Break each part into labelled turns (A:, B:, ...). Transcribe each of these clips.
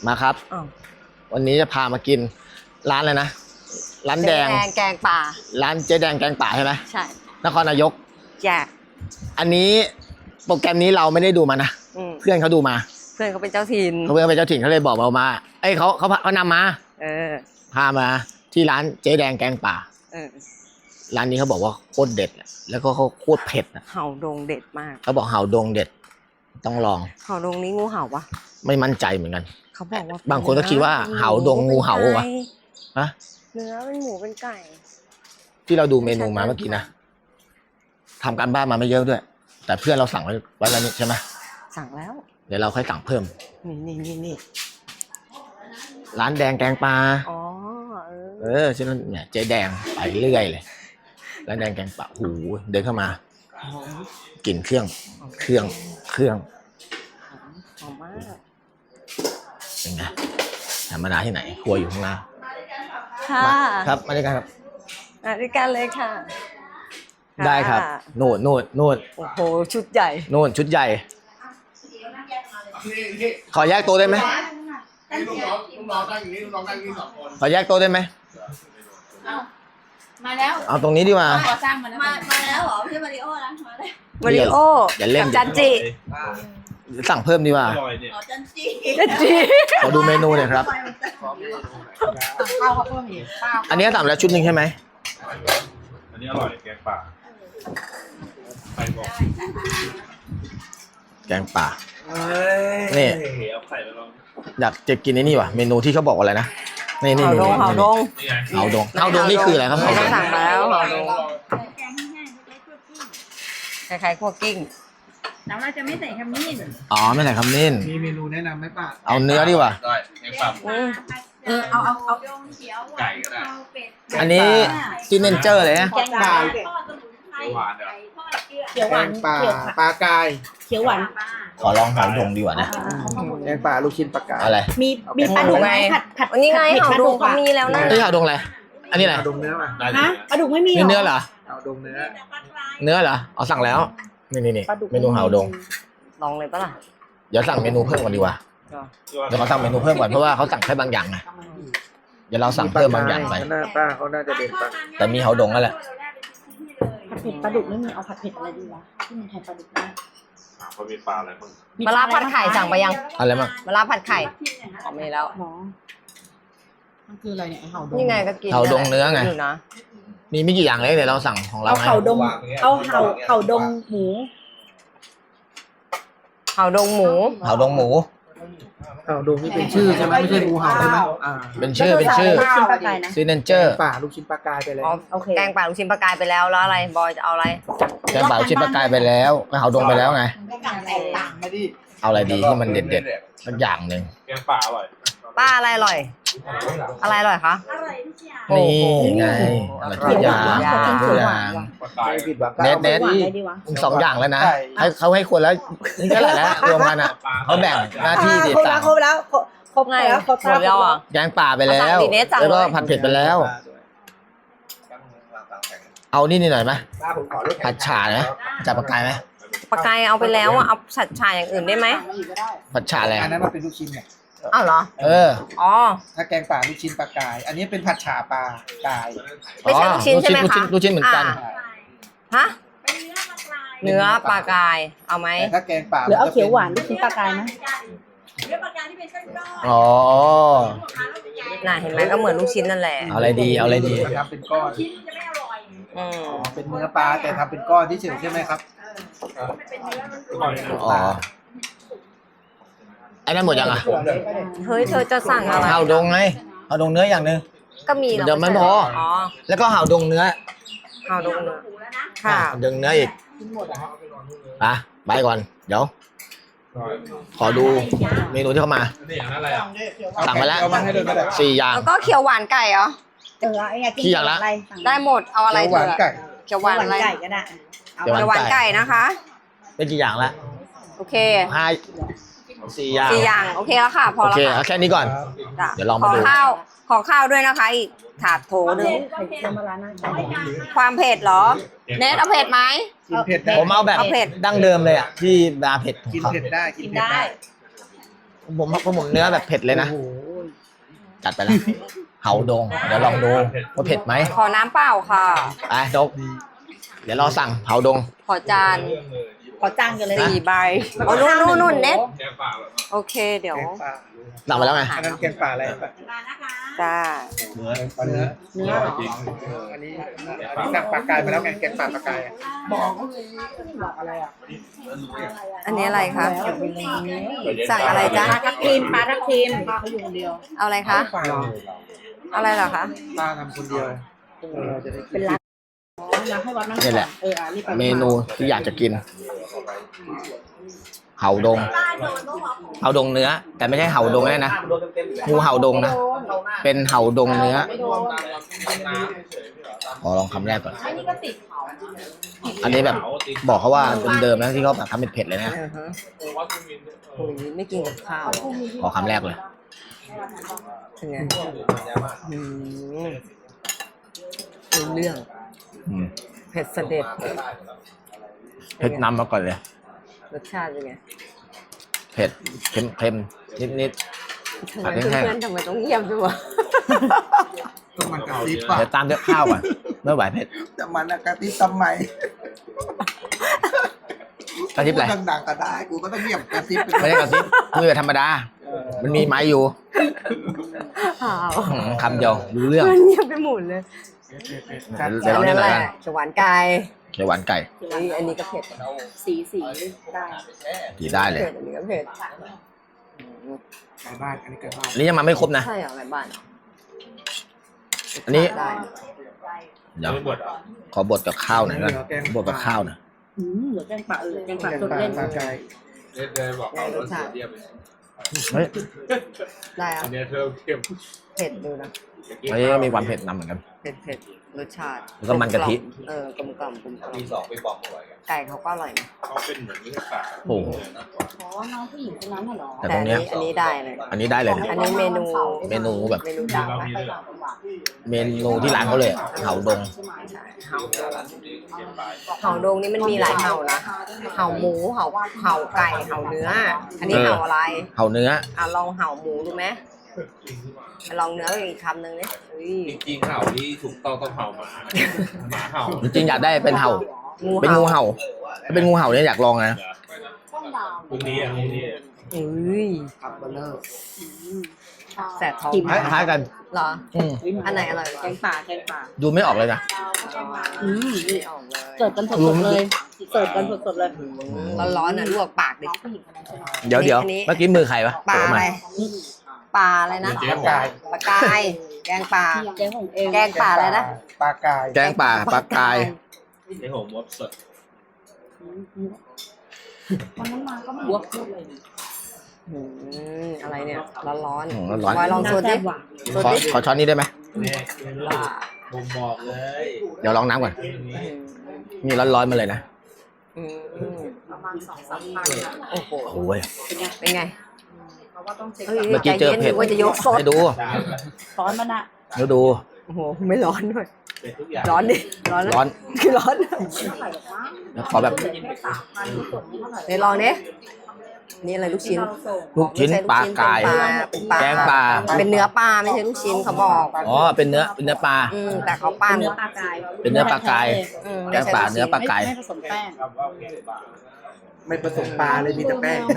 A: มาครับวันนี้จะพามากินร้านอะไรนะร้านแดง
B: แกงป่า
A: ร้านเจ๊แดงแกงป่าใช่ไหม
B: ใช่
A: นครนายก
B: แย่
A: อันนี้โปรแกรมนี้เราไม่ได้ดูมานะเพื่อนเขาดูมา
B: เพื่อนเขาเป็นเจ้าถิ่น
A: เพื่อนเป็นเจ้าถิ่นเขาเลยบอกเรามาเอ้ยเขานำมาพามาที่ร้านเจ๊แดงแกงป่าร้านนี้เขาบอกว่าโคตรเด็ดแล้วก็เขาโคตรเผ็ด
B: เห่าดงเด็ดมาก
A: เขาบอกเห่าดงเด็ดต้องลอง
B: เห่าดงนี้งูเห่าปะ
A: ไม่มั่นใจเหมือนกัน
B: เขาบอกว่า
A: บางคนก็คิดว่าเห่าดงงูเห่าวะฮะ
B: เนื้อเป็นหมูเป็นไก่
A: ที่เราดูเมนูมาเมื่อกี้นะทำการบ้านมาไม่เยอะด้วยแต่เพื่อนเราสั่งไว้แล้วนี่ใช่ไหม
B: สั่งแล้ว
A: เดี๋ยวเราค่อยสั่งเพิ่ม
B: นี่
A: ร้านแดงแกงปลา
B: อ๋อ
A: ใช่ไหมเนี่ยเจ๊แดงไปเรื่อยเลยร้านแดงแกงปลาหูเดินเข้ามากลิ่นเครื่อง
B: หอมมาก
A: เป็นไงธรรมดาที่ไหนครัวอยู่ข้างหน้า
B: ค่ะ
A: ครับมาด้วยกันครับ
B: มาด้วยกันเลยค่ะ
A: ได้ครับโน่น
B: โอ้โหชุดใหญ่
A: โน่นชุดใหญ่ขอแยกโต๊ะได้ไหม
C: ลูกน้องตั้งอย่างนี้ลูกน้องตั้งอย่างนี้2 คน
A: ขอแยกโต๊ะได้ไหม
D: มาแล้ว
A: เอาตรงนี้ดีกว่า
D: ก่อสร้างมาแล้วเหรอไม่ใช่มาริโอนะ
B: มาริโอ
A: อย่าเล่น
B: จันจิ
A: สั่งเพิ่มดีกว่า
D: จันจิ
A: ขอดูเมนูหน่อยครับ
D: ข้าวเพิ่มอีก
A: อันนี้สั่งแล้วชุดหนึ่งใช่ไหม
C: อันนี้อร่อยแกงป่าไปบอก
A: แกงป่านี่อยากจะกินไอ้นี่ว่ะเมนูที่เขาบอกอะไรนะนี่
B: เห่าดง
A: นี่คืออะไรครับ
B: เราสั่งมาแล้วเห่าดงคล้ายๆคั่วกิ้ง
D: แต่เราจะไม่ใส่ขมิ้น
A: อ๋อไม่ใส่ขมิ้น
C: มีเมนูแนะนำไหมป้า
A: เอาเนื้อดีกว่า
C: แกงป่า
D: เอา
C: ไก่ก็ได้
A: อันนี้ซิเนเจอร์เลยนะ
D: แกงป่า
C: เขียวหวานปลากาย
D: เขียวหวาน
A: ขอลองเห่าดงดีกว่านะ
C: แกงป่าลูกชิ้นปลากาย
A: อะไร
D: มีปลาดุกไหมผัด
B: นี่ไงเห่าดงเขามีแล้วนะ
A: เห่าดงอะไรอันนี้อะไร
C: เห่าดงเนื้อป่ะ
D: ฮะปลาดุกไม่มี
A: เนื้อเหรอ
C: เห่าดงเนื้
A: อเหรอเอาสั่งแล้วนี่เมนูเห่าดง
B: ลองเลยปะล่ะ
A: เดี๋ยวสั่งเมนูเพิ่มก่อนดีกว่าเดี๋ยวเขาสั่งเมนูเพิ่มก่อนเพราะว่าเขาสั่งแค่บางอย่างไงเดี๋ยวเราสั่งเพิ่มบางอย่างไป
C: ป้าเขาน่าจะเด็ดป่ะ
A: แต่มีเห่าดงนั่นแหละ
D: ผัดเผ็ดปลาดุกไม่มีเอาผัดเผ็ดอะไรดีวะที่มันแทนปลาดุกได้
C: เขามีปลาอะไรบ้าง
B: มะระผัดไข่สั่งไปยัง
A: อะไรบ้าง
B: มะระผัดไข่อ๋อมีแล้ว
D: มันคืออะไรเนี่ยเห่าดง
B: นี่ไงก็กิน
A: เห่าดงเนื้อไงมีไม่กี่อย่างเลยเดี๋ยวเราสั่งของเรา
D: เอาเห่าดงหมูเห่าดงหมู
A: เห่าดง
C: นี่เป็นชื่อใช่ไหมไม่ใช่งูเห่าใช่ไหม
A: เป็นชื่อซิเนเจอร์
C: ป่าลูกชิ้นปลากายไปแล้ว
B: แกงป่าลูกชิ้นปลากายไปแล้วอะไรบอยจะเอาอะไร
A: แกงป่าลูกชิ้นปลากายไปแล้วเห่าดงไปแล้วไงเอาอะไรดีที่มันเด็ดสักอย่างหนึ่ง
C: แกงป่าอร่อย
B: ป้าอะไรอร่อยคะ
A: นี่ไงอะไรทุกอย่างเน็ต2 อย่างแล้วนะเขาให้คนแล้วนี่ก็แหละรวมกันอ่ะเขาแบ่งหน้าที่
D: ครบแล้ว
A: แกงป่าไปแล้วแล้วก็ผัดเผ็ดไปแล้วเอานี่หน่อยไหมผัดฉ่าไหมจับปลากายไหม
B: ปลากายเอาไปแล้วเอาผัดฉ่าอย่างอื่นได้ไหม
A: ผัดฉ่าอะไร
C: อันนั้นมันเป็นลูกชิ้นเนี่ย
B: อ้าวเหรออ๋อ
C: ถ้าแกงป่าลูกชิ้นปลากายอันนี้เป็นผัดฉ่าปลากาย
B: ไม่ใช่ลูกชิ้นใช่ไหมคะ
A: ลูกชิ้นเหมือนกัน
B: ฮะเนื้อปลากายเอาไหม
C: ถ้าแกงป่า
D: หรือเอาเขียวหวานลูกชิ้นปลากายไหม
C: เนื้อปลากายที่เป็นเส้นก้อน
A: อ๋อ
B: น่ะเห็นไหมก็เหมือนลูกชิ้นนั่นแหละ
A: เอาอะไรดี
C: ทำเป็นก้อนชิ้นจะไม่อร่อยเป็นเนื้อปลาแต่ทำเป็นก้อนที่เฉยใช่ไหมครับ
A: อ๋อไอ้นั่นหมดยังอ่ะ
B: เฮ้ยเธอจะสั่งอะไร
A: เห่าดงไงเห่าดงเนื้ออย่างนึง
B: ก็มี
A: เดี๋ยวมันพอแล้วก็เห่าดงเนื้อค่ะดงเนื้ออีกไปก่อนเดี๋ยวขอดูเมนูที่เข้ามาสั่งมาแล้ว4 อย่าง
B: แล้วก็เขียวหวานไก่เหรอ
A: กี่อย่างละ
B: ได้หมดเอาอะไร
C: หวานไก่
B: เขียวหวานไก่ก็ได้เขียวหวานไก่นะคะ
A: เป็นกี่อย่างละ
B: โอเค
A: 4 อย่าง
B: โอเคแล้วค่ะพอแล้ว
A: ค่ะแค่นี้ก่อนเดี๋ยวลองมาดู
B: ขอข้าวด้วยนะคะอีกถาดโถนึงความเผ็ดเหรอเนทเอาเผ็ดไหม
C: กินเผ็ดได้
A: ผมเอาแบบดั้งเดิมเลยอ่ะที่บาเผ็ด
C: กินเผ็ดได้
A: ผมเนื้อแบบเผ็ดเลยนะ
C: โอ้โห
A: จัดไปแล้วเห่าดงเดี๋ยวลองดูว่าเผ็ดไหม
B: ขอน้ำเปล่าค่ะ
A: ไปดกเดี๋ยวรอสั่งเห่าดง
B: ขอจาน
D: ขอจ้างกันเลย
B: 4 ใบโอ้นู่นเน็ตโอเคเดี๋ยว
C: แกงป่า
A: สั่งมาแล้วไง
C: อันนั้นแกงป่าอะไรปะ
B: จ้า
C: เนื้อเนื้ออันนี้สั่งปลากายมาแล้วไงแกงป่าปลากายอะ
B: อันนี้อะไรคะสั่งอะไรจ๊ะ
D: ปลาทับทิมเขาอยู่คนเดียว
B: เอาอะไรคะ
C: ป่า
B: อะไรเหรอคะ
C: ป้าทำคนเดียวเราจะได้กิน
D: อ๋ออยากให้วัดนั่ง
A: นี่แหละ
D: นี่ไป
A: เมนูที่อยากจะกินเห่าดงเห่าดงเนื้อ แต่ไม่ใช่เห่าดงแน่นะงูเห่าดงนะเป็นเห่าดงเนื้อขอลองคำแรกก่อนอันนี้แบบบอกเขาว่าเดิมๆนะที่เขาแบบทำเป็นเผ็ดเลยนะ
B: โอ้ยไม่กินกับข้าว
A: ขอคำแรกเลย
B: เป็นไงรู้เรื่อง
A: อืม
B: เผ็ดเสด็จ
A: เผ็ดนำมาก่อนเลย
B: รสชาติเป็นไง
A: เผ็ดเค็มนิด
B: ทำไมเพื่อนๆทำไมต้องเงียบด้วยวะ
C: ต้องมันกระซิบ
A: ๆ
C: ป่ะ
A: เดี๋ยวตามด้วยข้าวก่อนไม่ไหวเผ็ด
C: แต่มันกระซิบทำไม
A: กระซิบอะไร
C: พูดดังๆก็ได้กูก็ต้องเงียบกระซิบไป
A: ไม่ได้กระซิบมือธรรมดา มันมีไม้อยู่
B: อ้าว
A: คำเดียวรู้เรื่อง
B: เพื่อนเงียบไปหมดเลย
A: เดี๋ยวลองนี่หน่อยกัน
B: เขียวหวานไก่
A: เขียวหวานไก่
B: อันนี้ก็เผ็ด
D: สีได้
A: ดีได้เลย
B: เผ็ดอันนี้ก็เผ็ด
C: ไก่บ้านอันนี้ไก่บ้าน
A: อันนี้ยังมาไม่ครบนะ
B: ใช่เหรอไงบ้าน
A: อันนี้
B: ได้
A: เดี๋ยวขอบดกับข้าวหน่อยนะบดกับข้าวหน่อย
D: เหลือแกงป่าแกงป่า
C: แกง
D: สด
C: ป่า
D: เล่น
C: ปลากาย
B: รสชาติ
A: เฮ้ย
B: ได้อะ
E: อันนี้เธอเข้ม
B: เผ็ดดูนะ
A: อันนี้ก็มีความเผ็ดนำเหมือนกัน
B: เผ็ดรสชาติ
A: แล้วก็มันกะทิ
B: กลมกล่อม
E: มีสองไปบอกเขาไว้กัน
B: ไก่เขาก็อร่อยนะ
E: เขาเป็นเหมือนเนื้อปลา
A: โอ้โห
D: อ๋อน้องผู้หญิงคนนั้นน่ะเหรอ
A: แต่ตรงเนี้ย
B: อันนี้ได้เลย
A: อันนี้ได้เลยนะ
B: อันนี้เมนู
A: เมนูแบบ
B: เมนูดังนะ
A: เมนูที่ร้านเขาเลยอะเห่าดง
B: เห่าดงนี่มันมีหลายเห่านะเห่าหมูเห่าไก่เห่าเนื้อ อันนี้เห่าอะไร
A: เห่าเนื้อ
B: ลองเห่าหมูดูไหมลองเนื้ออีกคำหนึ่งนี่
E: จริงๆเห่านี่ถูกต้องเห่าหมาหมาเห่า
A: จริงๆอยากได้เป็นเห่า เป็นงูเห่าถ้าเป็นงูเห่าเนี่ยอยากลองนะ
E: พรุ่งนี้อ่ะพรุ่งนี้
B: อุ้ย
C: ขับเบลเลอร์
B: แสบท้อง
A: คล้ายๆกัน
B: เหรอ
A: อืม
B: อันไหนอร่อยก
D: แก
B: ว่า
D: งป่าแกงป่า
A: ดูไม่ออกเลยนะ
B: นี่ออกเลย
D: เสิร์ฟกันสดๆเลยเสิร์ฟกันสดๆเลย
B: ร้อนๆน่ะลวกปากดิ
D: ผู้หญิงคนนั้นใช่ไหม
A: เดี๋ยว
B: อันนี้
A: เมื่อกี้มือใครวะ
B: ปลา
A: โผล่
B: อะ
A: มา
B: ไรปลาอะไรนะ
C: ปลากาย
B: ปลากาย แกงปลา
D: แกงของเอง
B: แกงป่าอะไรนะ
C: ปลากาย
A: แกงป่าปลากาย
E: ในหัวมดสด
D: วันนั้นมาก็ไม่บวกพูดเลย
B: อะไรเนี่ยร้อน
A: อืมร้อน
B: บอยลองสูตรดิ สูตรดิ
A: ขอช้อนนี้ได้ไหม
E: เนี่ยผมบอกเลย
A: เดี๋ยวลองน้ำก่อนนี่ร้อนๆมาเลยนะ
D: ประมาณ2-3 พัน
B: โอ้โห
A: โอ้ย
B: เป็นไง
D: เพราะว่าต้องเช็ค
A: เมื่อกี้เจอเผ็ด
B: ว่าจะยกซด
A: ให้ดู
D: ซ้อนมันอะ
A: เดี๋ยวดู
B: โอ้โหไม่ร้อนด้วย
E: เป็นทุกอย่าง
B: ร้อนดิร้อนนะ
A: ร้อน
B: คือร้อน
A: แล้วขอแบบ
B: เดี๋ยวลองดินี่อะไรลูกชิ้น
A: ลูกชิ้น
B: ไม่ใช่
A: ปลากาย
B: เป็นปลา
A: แกงปลา
B: เป็นเนื้อปลาไม่ใช่ลูกชิ้นเขาบอก
A: อ๋อเป็นเนื้อปลา
B: แต่เขาปั้น
D: เนื้อปลากาย
A: เป็นเนื้อปลากาย แกงปลาเนื้อปลากาย
D: ไม่ผสมแป้ง
C: ไม่ผสมปลาเลยมีแต่แป้งครับ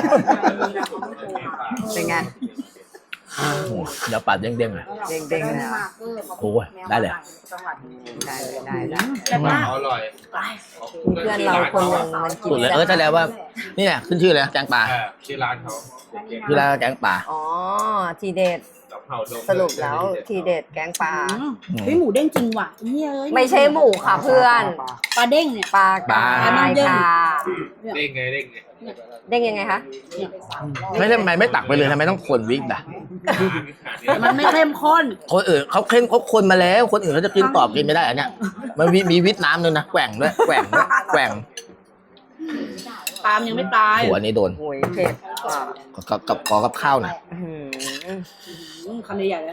B: เป็นไง
A: เดี๋ยวปลาเด้งๆเลย
B: เด้งๆเลยอะ
A: โอ้ยได้เลย
B: ได้เลยได้ได้
D: แต่ว่า
E: อร่อย
B: เพื่อนเราคนหนึ่งมันกิน
A: สุดเลยแสดงว่านี่แหละขึ้นชื่อเลยแกงปลา
E: ที่ร้านเขา
A: ที่ร้านแกงปลา
B: อ๋อทีเด็ด
E: กับเห่าดง
B: สรุปแล้วทีเด็ดแกงปลา
D: เฮ้ยหมูเด้งจริงว่ะเฮ้ยเอ้ย
B: ไม่ใช่หมูค่ะเพื่อน
D: ปลาเด้งเนี่ย
B: ปลากายค่ะ
E: เด้งไง
B: เด้งยังไงคะ
A: ไม่ใช่ทำไมไม่ตักไปเลยทำไมต้องคนวิกอ่ะ
D: มันไม่เข้มข้น
A: คนอื่นเขาคนมาแล้ว คนอื่นเขาจะกินตอบกินไม่ได้อันเนี้ยมันมีวิตน้ำนึงนะแกว่งด้วยแกว่ง
D: ปลามยังไม่ตาย
A: หัวนี้โดน
B: โอ้ยเผ็ดอ่ะ
A: ขอกับข้าวหน่อย
B: อื้อหือ
D: คำใหญ่ๆเลย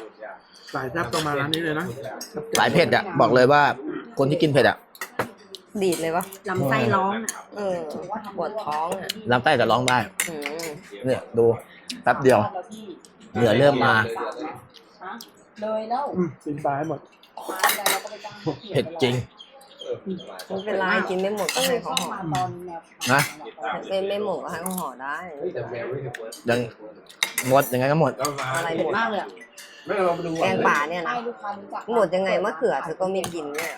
C: สายแซ่บต้องมาร้านนี้เลยนะ
A: สายเผ็ดอ่ะบอกเลยว่าคนที่กินเผ็ดอ่ะ
B: ดีดเลยวะ
D: ลำไส้ร้องอ่ะ
B: เออปวดท้องอ่ะ
A: ลำไส้จะร้องได้
B: อืม
A: เนี่ยดูแป๊บเดียวเหนือเริ่มมา
D: เลยแล้ว
C: กินปลาให้หมด
A: เผ็ดจริง
B: ไม่เป็นไรกินไม่หมดก็ให้เขาห่อ
A: นะ
B: ไม่หมดก็ให้เขาห่อได้
A: ยังหมดยังไงก็หมด
B: อะไรหมด
D: มากเลย
E: ไม่เราไปดู
B: แกงป่าเนี่ยนะหมดยังไงมะเขือเธอก็ไม่กินเนี่ย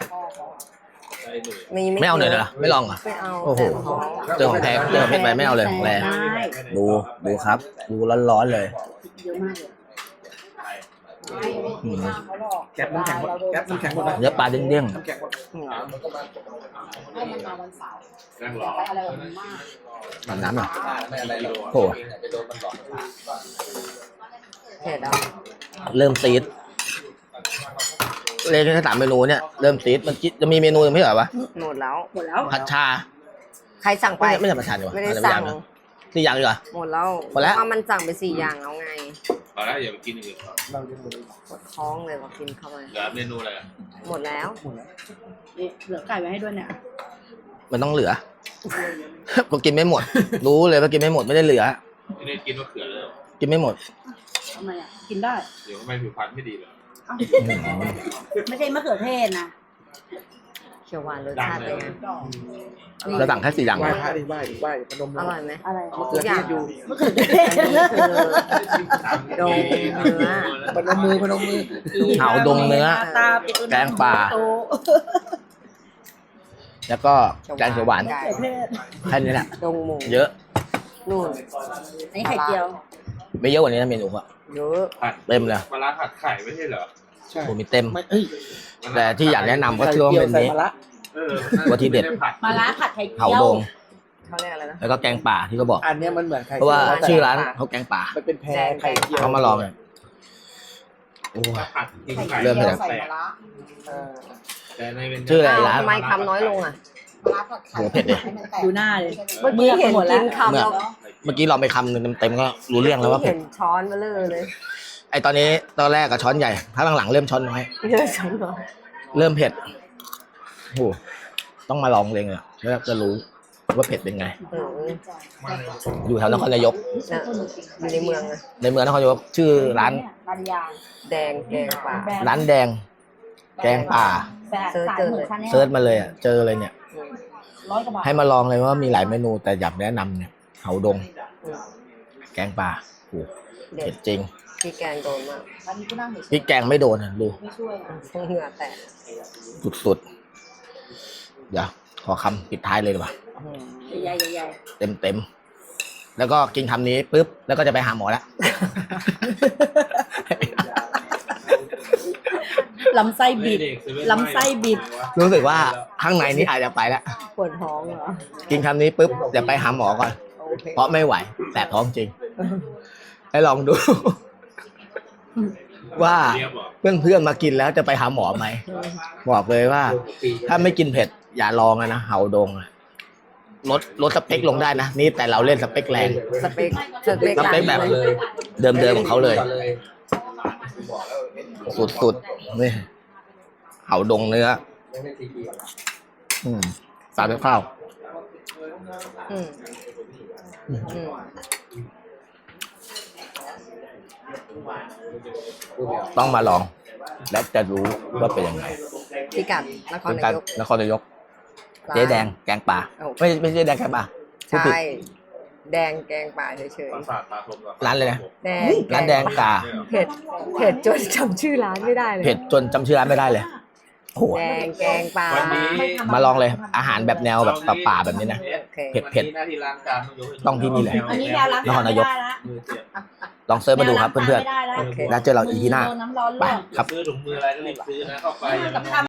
A: ไม่เอาเลยเหรอไม่ลองเหรอ
B: ไม่เอา
A: โอ้โห เจอของแท้เจอของเผ็ดไปไม่เอาเลยของแรง
D: ได้
A: ดูครับ ดูร้อนๆเลย
D: เยอะมากเลย
A: อืม
C: แก๊ปน้ำแข็งหมดแก๊ปน้ำแข็งหมดนะ
A: เนื้อปลาเด้ง
C: น้ำแข็งหมด
D: ให้มันมาวันเสาร์
E: นั่งร
D: อย่า
E: อ
D: ไปอะไรกับมันมาก
A: ๆแบบน้ำหน่อย
C: ไม่อะไรหรอก
A: โอ้
B: เผ็ดอ่ะ
A: เริ่มซีดเลยแค่3 เมนูเนี่ยเริ่มซีดมันจะมีเมนูยังไม่เหรอวะ
B: หมดแล้ว
D: หมดแล้ว
A: ผัดชา
B: ใครสั่งไป
A: ไม่ใช่ผัดชาดีกว่า
B: ไม่ได้
A: อะไร
B: สั่ง
A: นะ4 อย่างดีกว่า
B: หมดแล้ว
A: หมดแล้ว
B: เพราะมันสั่งไป4 อย่างแล้วไง
E: พอแล้วอย่าไปกินอื่นก่อน
C: เราจะหมด
B: ปวดท้องเลยพอกินเข้าไป
E: เหลือเมนูอะไรอ่ะ
B: หมดแล้ว
C: หมดแล้ว
D: นี่เหลือไก่ไว้ให้ด้วยเนี่ย
A: มันต้องเหลือ ก็กินไม่หมด รู้เลยว่ากินไม่หมดไม่ได้เหลือ
E: ไม่ได้กินมะเขือเลยเหรอ
A: กินไม่หมด
D: ทำไมอ่ะ กินได้
E: เดี๋ยวทำไมผิวพรรณไม่ดีเลย
D: ไม่ใช่มะเขือเทศนะ
B: เขียวหวานรสชาติเป็นไง
A: เราสั่งแค่4 อย่าง
C: ไหว้พระดิไหว้พนม
B: อร่อยไหม
D: อะไร
C: มะเขือเทศอยู่
D: มะเขือเทศ
B: อันนี้คือดงเนื้อ
C: พนมมือพนมมือ
A: เผาดงเนื้อ
D: ตาปิด
A: แกงป่า
D: โต
A: แล้วก็แกงเขียวหวาน
B: ไก่
D: มะเขือเทศ
A: แค่นี้แหละ
B: ดงหมู
A: เยอะ
B: นู่น
D: อันนี้ไข่เจียว
A: ไม่เยอะกว่านี้นะเมนูอะ
B: เยอะ
E: ผัด
A: เต็มเลย
E: ปลาร้าผัดไข่ไม่ใช่เหรอ
C: ใช่
A: โอ้มีเต็ม
C: ไม่เอ้ย
A: แต่ที่อยากแนะนำก็คือว่าเป็น
C: ใส่
A: นี้
C: มะระ
E: เออ
A: ตัวที่เด็ด
E: ไม่ไผัด
D: มาล้าผัดไข่เจี
A: เผา
D: ยว
A: ดง
B: เขาเรียกอะไรนะ
A: แล้วก็แกงป่าที่เขาบอก
C: อันเนี้ยมันเหมือนไข่
A: เพราะว่า
C: จียว
A: ชื่อร้านเขาแกงป่า
C: มันเป็นแพรไข่เจียว
A: เขามาลองเลยโอ้
E: ถ้าผัดกิน
D: ไข่
E: ไข่
A: เริ่มเลย
D: ใส่มะระ
E: แต่ในเป็น
A: ชื่ออะไรร้าน
B: ทำไมคำน้อยลงอ่ะ
A: โหเผ็ดเลย
D: ดูหน้าเลย
B: เมื่อกี้เห็นกินคำแล้ว
A: เมื่อกี้เราไปคำหนึงเต็มๆก็รู้เรื่องแล้วว่าเผ็
B: เห็
A: ด
B: นช้อนมาเลย
A: ไอตอนนี้ตอนแรกกับช้อนใหญ่ถ้าหลังๆเริ่มช้อนน้อย
B: เยอะช้อนเหรอ
A: เริ่มเผ็ดโอ้ต้องมาลองเองอ่ะแล้วจะรู้ว่าเผ็ดเป็นไง
B: เออ
A: อยู่แถวนครนายก
B: นะอยู่ในเมืองอะ
A: ในเมืองนครนายกชื่อร้าน
D: ร้านยาง
B: แดงแกงป่า
A: ร้านแดง แกงป่า
D: แต่
B: เซิร์ช
D: สาย
B: เจอ
D: เหมื
B: เล
D: อย นคันเนี้ย
A: เซิร์ชมาเลยอ่ะเจอเลยเนี่ย
D: 100 กว่าบาท
A: ให้มาลองเลยว่ามีหลายเมนูแต่อยากแนะนำเนี่ยเผาดง
B: อืม
A: แกงป่าโอ้
B: เด็
A: เผ็
B: ด
A: ดจริง
B: พี่แกงโดนมาก
D: อันนี้ก็นั่งเฉย
A: พริกแกงไม่โดนอ่ะดู
D: ๆไม่ช่วยอะ
B: เหงื่อแตก
A: สุดๆเดี๋ยวขอคำปิดท้ายเลยดีกว่า
D: ใหญ่ๆใหญ่
A: เต็มๆแล้วก็กินคำนี้ปุ๊บแล้วก็จะไปหาหมอแล้ว
D: ๆลำไส้บิด ลำไส้บิด
A: รู้สึกว่าข้างในนี้อาจจะไปแล้ว
B: ปวดท้องเหรอ
A: กินคำนี้ปุ๊บจะไปหาหมอก่อน
B: โอเค
A: เพราะไม่ไหวแต่ท้องจริง ให้ลองดู ว่า
E: เรียบเหรอ
A: เพื่อนๆมากินแล้วจะไปหาหมอไหมบอกเลยว่า ถ้าไม่กินเผ็ดอย่าลองนะเห่าดงอะลดสเปคลงได้นะนี่แต่เราเล่นสเปคแรง
B: สเปคสเปค
A: สเปคแบบ เดิมๆของเขาเลย สุดๆนี่เห่าดงเนื้อสาดด้วยข้าว
B: อืมอืม
A: ต้องมาลอง และจะรู้ว่าเป็นยังไง
B: พิกัดนคร
A: เป็น
B: นา
A: การ
B: ยก
A: นครนายกเจ๊แดงแกงป่า
B: โอ้
A: ไม่ใช่แดงแกงป่าพูดผิด
B: ใช่แดงแกงป่าเฉย
E: ปราสาทตาคมเหอ
A: ร้านเลยนะ
B: ๆแดง
A: ร้านแดงป่า
B: เผ็ดเผ็ดจนจำชื่อร้านไม่ได้เลย
A: เผ็ดจนจำชื่อร้านไม่ได้เลยโอ้โห
B: แดงแกงป่า
E: วันนี้
A: มาลองเลย อาหารแบบแนวแบบป่าๆแบบนี้นะ
B: โอเค
A: เผ็ด
E: หน้าที่ล้างจาน
A: ต้องที่นี่แหละ
D: อันนี้ยาล้าง
A: นครนายก
D: ไม่ได้ละ
E: มือเสียบ
A: ลองเซิร์ชมาดูครับเพื่อน
D: ไม่ได้ละ
B: โอเค
A: ๆแล้วเจอเราอีพีหน้า
D: โดนน้ำร้อนล
A: ไป
D: วก
A: ครับ
E: ซื้อถุงมืออะไรก็รีบซื้อนะเข้าไป